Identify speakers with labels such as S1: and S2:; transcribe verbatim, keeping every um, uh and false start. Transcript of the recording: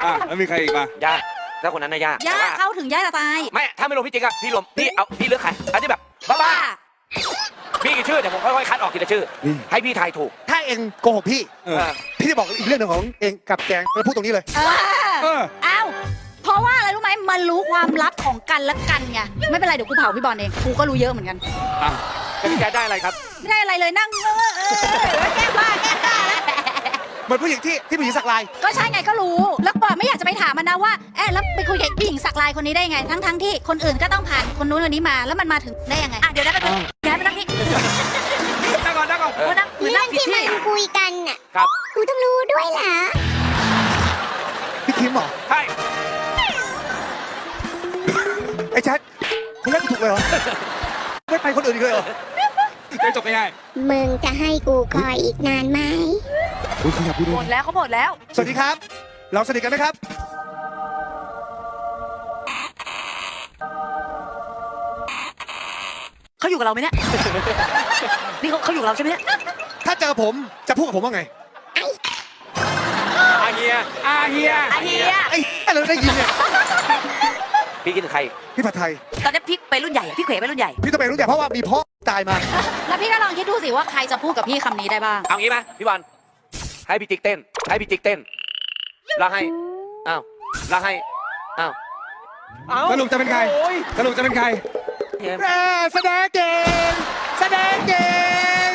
S1: อ่ะแล้วมีใครอีกมา
S2: ย่าถ้าคนนั้นนะย่า
S3: ย่า
S2: แต่ว่า
S3: เข้าถึงย่าจะตาย
S2: ไม่ถ้าไม่รวมพี่จิ๊กอะพี่รวมพี่เอาพี่เลือกใครอันที่แบบบ้าๆพี่กี่ชื่อเดี๋ยวผมค่อยๆคัดออกทีละชื่อ ให้พี่ทายถูก
S4: ถ้าเองโกหกพี่
S1: เออ
S4: พี่จะบอกอีกเรื่องหนึ่งของเองกับแจงเราพูดตรงนี้เลย
S3: เอ
S1: เอ
S3: อ
S1: อ
S3: เอ้าเพราะว่าอะไรรู้ไหมมันรู้ความลับของกันและกันไงไม่เป็นไรเดี๋ยวกูเผาพี่บอลเองกูก็รู้เยอะเหมือนกัน
S1: อ่ะ
S2: แล้วพี่แจ๊ดได้อะไรครับ
S3: ไม่ได้อะไรเลยนั่งเออเออแก้บ้าแก้บ้า
S4: เหมือนผู้หญิงที่ที่ผู้หญิงสักลาย
S3: ก็ใช่ไงก็รู้ แล้วปอไม่อยากจะไปถามมันนะว่าเอ๊ะแล้วไปคุยกับผู้หญิงสักลายคนนี้ได้ยังไง ทั้งทั้งที่คนอื่นก็ต้องผ่านคนนู้นคนนี้มาแล้วมันมาถึงได้ยังไงอ่ะเดี๋ยวได้ไปเดี๋ยวไปนั่งที่
S1: นั่งก่อนนั่งก่อน
S2: เออ
S3: นั่ง
S5: เรื่องที่มันคุยกันน่ะ
S2: ครับ
S5: กูต้องรู้ด้วยเหรอ
S4: พี่คิมเหรอ
S2: ใช่
S4: ไอ้แจ๊ดคุณเล่นถูกเลยเหรอไม่ไปคนอื่นอีกเลยเหรอ
S1: ได้จบง่าย
S5: มึงจะให้กูคอยอีกนานไหม
S4: อุ้ยขยับพูด
S3: ห
S4: ด้
S3: ม
S4: วย
S3: ดแล้วเขาหมดแล้ว
S4: สวัสดีครับ เราสนิทกันไหมครับ
S3: เขาอยู่กับเราไหมเนี่ยนี่เขาเขาอยู่กับเราใช่ไหมเนี่ย
S4: ถ้าเจอผมจะพูดกับผมว่าไง
S2: อาเฮีย
S1: ๆอาเฮีย
S3: อาเฮีย
S4: ไอ้อะไรเราได้ยินเนี่ย
S2: พี่คิดถึงใคร
S4: พี่ผัดไทย
S3: ตอนนี้พี่ไปรุ่นใหญ่อะพี่เขวไปรุ่นใหญ่
S4: พี่ต้องไปรู้แต่เพราะว่ามีพ่อตายมา
S3: แล้วพี่ก็ลองคิดดูสิว่าใครจะพูดกับพี่คำนี้ได้บ้าง
S2: เอางี้ไหมพี่บอลให้พี่จิ๊กเต้น ให้พี่จิ๊กเต้นแล้วให้อ้าวแล้วให้อ้าวอ้าว
S1: สรุปจะเป็นใคร
S2: โอ้ย
S1: สรุปจะเป็นใคร
S4: แม่แสดงเก่งแสดงเก่ง